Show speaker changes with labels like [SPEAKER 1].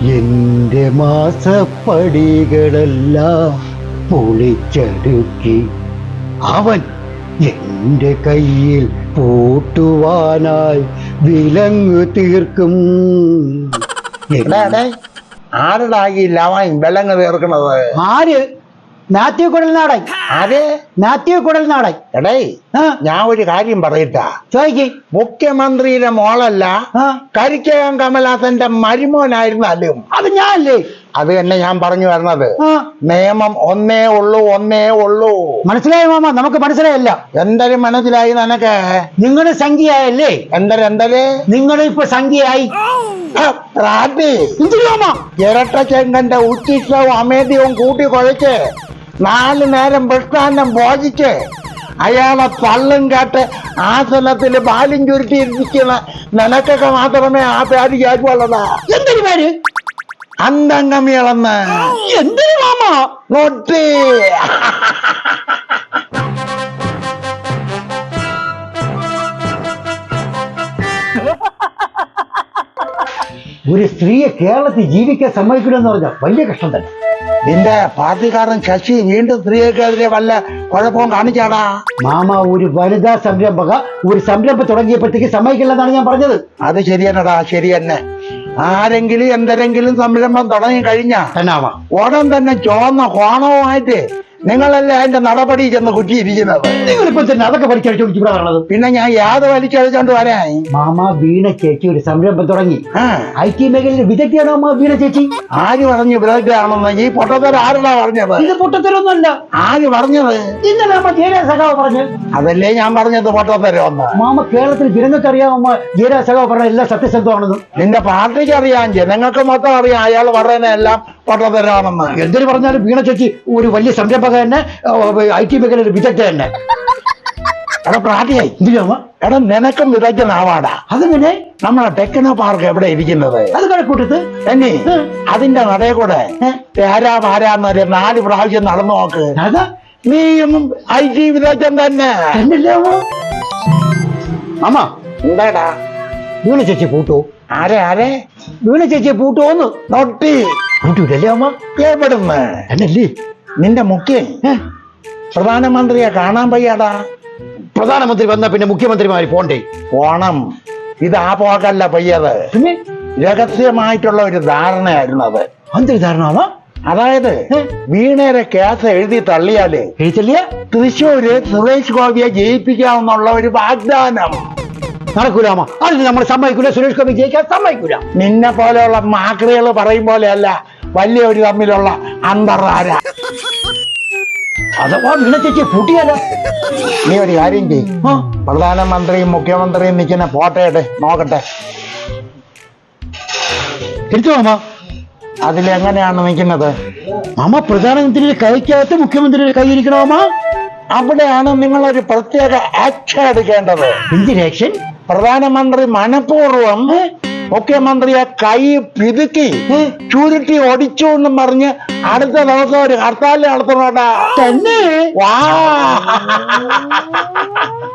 [SPEAKER 1] എന്റെ മാസപ്പടികളെല്ലാം പൊളിച്ചടുക്കി അവൻ എന്റെ കയ്യിൽ പൂട്ടുവാനായി വിലങ്ങ് തീർക്കും.
[SPEAKER 2] ആരുടെ വിലങ്ങ് തീർക്കണത്?
[SPEAKER 1] ആര്? മാത്യു കുഴൽനാടൻ.
[SPEAKER 2] ആര്?
[SPEAKER 1] മാത്യു കുഴൽനാടൻ.
[SPEAKER 2] എടേ, ഞാൻ ഒരു കാര്യം പറയട്ടാ.
[SPEAKER 1] ചോദിക്ക്.
[SPEAKER 2] മുഖ്യമന്ത്രിയുടെ മോളല്ല, കരിക്കകം കമലാസന്റെ മരുമോനായിരുന്നാലും
[SPEAKER 1] അത് ഞാനല്ലേ?
[SPEAKER 2] അത് തന്നെ ഞാൻ പറഞ്ഞു വരുന്നത്. നിയമം ഒന്നേ ഉള്ളൂ.
[SPEAKER 1] മനസ്സിലായി മാമ? നമുക്ക് മനസ്സിലായല്ല.
[SPEAKER 2] എന്തൊരു മനസ്സിലായി നിനക്ക്?
[SPEAKER 1] നിങ്ങളുടെ സംഖ്യയല്ലേ?
[SPEAKER 2] എന്തര്
[SPEAKER 1] നിങ്ങൾ ഇപ്പൊ സംഖ്യയായി.
[SPEAKER 2] ഇരട്ട ചെങ്കന്റെ ഉച്ചിഷ്ടവും അമേദ്യവും കൂട്ടി കുഴച്ച് 4 നേരം പ്രസ്ഥാനം ഭോജിച്ച് അയാളെ തള്ളും കാട്ട് ആസനത്തിൽ ബാലും ചുരുട്ടിയിരിക്കുന്ന നിനക്കൊക്കെ മാത്രമേ ആ പേര് കേൾക്കുള്ളതാ.
[SPEAKER 1] എന്തൊരു പേര്?
[SPEAKER 2] അന്തംഗമികളെന്ന്.
[SPEAKER 1] എന്തൊരു മാമ?
[SPEAKER 2] നൊട്ടി.
[SPEAKER 1] ഒരു സ്ത്രീയെ കേരളത്തിൽ ജീവിക്കാൻ സമ്മതിക്കില്ലെന്ന് പറഞ്ഞാൽ വലിയ കഷ്ടം തന്നെ.
[SPEAKER 2] നിന്റെ പാർട്ടിക്കാരൻ ശശി വീണ്ടും സ്ത്രീകൾക്കെതിരെ വല്ല കുഴപ്പവും കാണിച്ചാടാ?
[SPEAKER 1] മാമ, ഒരു വനിതാ സംരംഭക ഒരു സംരംഭം തുടങ്ങിയപ്പോഴത്തേക്ക് സമ്മതിക്കില്ലെന്നാണ് ഞാൻ പറഞ്ഞത്.
[SPEAKER 2] അത് ശരിയെന്നടാ, ശരി തന്നെ. ആരെങ്കിലും എന്തെങ്കിലും സംരംഭം തുടങ്ങി കഴിഞ്ഞാ ഉടൻ തന്നെ ചുവന്ന കോണവുമായിട്ട് നിങ്ങളല്ലേ അതിന്റെ നടപടി ചെന്ന് കുറ്റിയിരിക്കുന്നത്.
[SPEAKER 1] നിങ്ങളിപ്പോ തന്നെ അതൊക്കെ പഠിച്ചടിച്ചോണ്ട്
[SPEAKER 2] പിന്നെ ഞാൻ യാത് വലിച്ചടിച്ചോണ്ട് വരാൻ.
[SPEAKER 1] മാമ, വീണ ചേച്ചി ഒരു സംരംഭം തുടങ്ങി. IT മേഖലയിൽ വിദഗ്ധയാണോ അമ്മ വീണ ചേച്ചി?
[SPEAKER 2] ആര് പറഞ്ഞു വിദഗ്ധയാണെന്ന്? ഈ പൊട്ടത്തരം ആരാ പറഞ്ഞത്?
[SPEAKER 1] ഇത് പൊട്ടത്തരൊന്നുമല്ല.
[SPEAKER 2] ആര് പറഞ്ഞത്?
[SPEAKER 1] ഇന്നലെ അമ്മ ജയരാജ് സഖാവ് പറഞ്ഞു.
[SPEAKER 2] അതല്ലേ ഞാൻ പറഞ്ഞത് പൊട്ടത്തരം ഒന്ന്.
[SPEAKER 1] മാമ, കേരളത്തിൽ ജനങ്ങൾക്ക് അറിയാം അമ്മ ജയരാജ് സഖാവ് പറഞ്ഞ എല്ലാം സത്യസന്ധമാണെന്ന്.
[SPEAKER 2] നിന്റെ പാർട്ടിക്ക് അറിയാം, ജനങ്ങൾക്ക് മൊത്തം അറിയാം അയാൾ പറയുന്ന എല്ലാം പൊട്ടത്തരാണെന്ന്.
[SPEAKER 1] എന്തൊരു പറഞ്ഞാലും വീണ ചേച്ചി ഒരു വലിയ സംരംഭക തന്നെ, IT മേഖലയിൽ വിദഗ്ധ തന്നെ.
[SPEAKER 2] എടാ പ്രാർത്ഥിയായി. എടാ, നിനക്കും വിദഗ്ധനാവാടാ.
[SPEAKER 1] അതെങ്ങനെ?
[SPEAKER 2] നമ്മളെ ടെക്നോ പാർക്ക് എവിടെ ഇരിക്കുന്നത്?
[SPEAKER 1] അത് കണക്കൂട്ടത്ത്
[SPEAKER 2] തന്നെ. അതിന്റെ നടയെ കൂടെ പാരാന്നൊരു 4 പ്രാവശ്യം നടന്നു നോക്ക്. നീയും IT വിദഗ്ധൻ തന്നെ.
[SPEAKER 1] അമ്മ,
[SPEAKER 2] എന്താടാ?
[SPEAKER 1] വീണ ചേച്ചി പൂട്ടോ?
[SPEAKER 2] ആരെ?
[SPEAKER 1] വീണ ചേച്ചിയെ പൂട്ടോന്ന്.
[SPEAKER 2] നൊട്ടി.
[SPEAKER 1] പൂട്ടൂലല്ലേ അമ്മ?
[SPEAKER 2] എവിടുന്ന്?
[SPEAKER 1] എന്നല്ലേ?
[SPEAKER 2] നിന്റെ മുഖ്യൻ പ്രധാനമന്ത്രിയെ കാണാൻ വയ്യാടാ.
[SPEAKER 1] പ്രധാനമന്ത്രി വന്ന പിന്നെ മുഖ്യമന്ത്രിമാര് പോണ്ടേ?
[SPEAKER 2] പോണം. ഇത് ആ പോകല്ല പയ്യത്.
[SPEAKER 1] പിന്നെ
[SPEAKER 2] രഹസ്യമായിട്ടുള്ള ഒരു ധാരണയായിരുന്നു അത്.
[SPEAKER 1] എന്തൊരു ധാരണ?
[SPEAKER 2] അതായത് വീണേരെ കേസ് എഴുതി തള്ളിയാല് തൃശ്ശൂര് സുരേഷ് ഗോപിയെ ജയിപ്പിക്കാമെന്നുള്ള ഒരു വാഗ്ദാനം.
[SPEAKER 1] നടക്കൂലാമ. അതിന് നമ്മൾ സമ്മതിക്കൂല. സുരേഷ് ഗോപി ജയിക്കാൻ സമ്മതിക്കൂല.
[SPEAKER 2] നിന്നെ പോലെയുള്ള മാക്രികൾ പറയും പോലെയല്ല വലിയൊരു തമ്മിലുള്ള അന്തർധാര.
[SPEAKER 1] അഥവാ വീണ ചേച്ചി പൂട്ടിയാലോ?
[SPEAKER 2] നീ ഒരു കാര്യം ചെയ്യും, പ്രധാനമന്ത്രിയും മുഖ്യമന്ത്രിയും നിൽക്കുന്ന ഫോട്ടോ നോക്കട്ടെ.
[SPEAKER 1] എടുത്തു മാമ.
[SPEAKER 2] അതിലെങ്ങനെയാണ് നിൽക്കുന്നത്?
[SPEAKER 1] മാമ, പ്രധാനമന്ത്രിയുടെ കൈക്കകത്ത് മുഖ്യമന്ത്രിയുടെ കൈ ഇരിക്കണോമാ.
[SPEAKER 2] അവിടെയാണ് നിങ്ങളൊരു പ്രത്യേക ആക്ഷൻ എടുക്കേണ്ടത്.
[SPEAKER 1] എന്തിന് ആക്ഷൻ?
[SPEAKER 2] പ്രധാനമന്ത്രി മനഃപൂർവ്വം മുഖ്യമന്ത്രിയെ കൈ പിതുക്കി ചുരുട്ടി ഒടിച്ചു എന്നും പറഞ്ഞ് അടുത്ത ദിവസം ഒരു ഹർത്താൽ നടത്തണോട്ടാ.
[SPEAKER 1] തന്നെ?
[SPEAKER 2] വാ.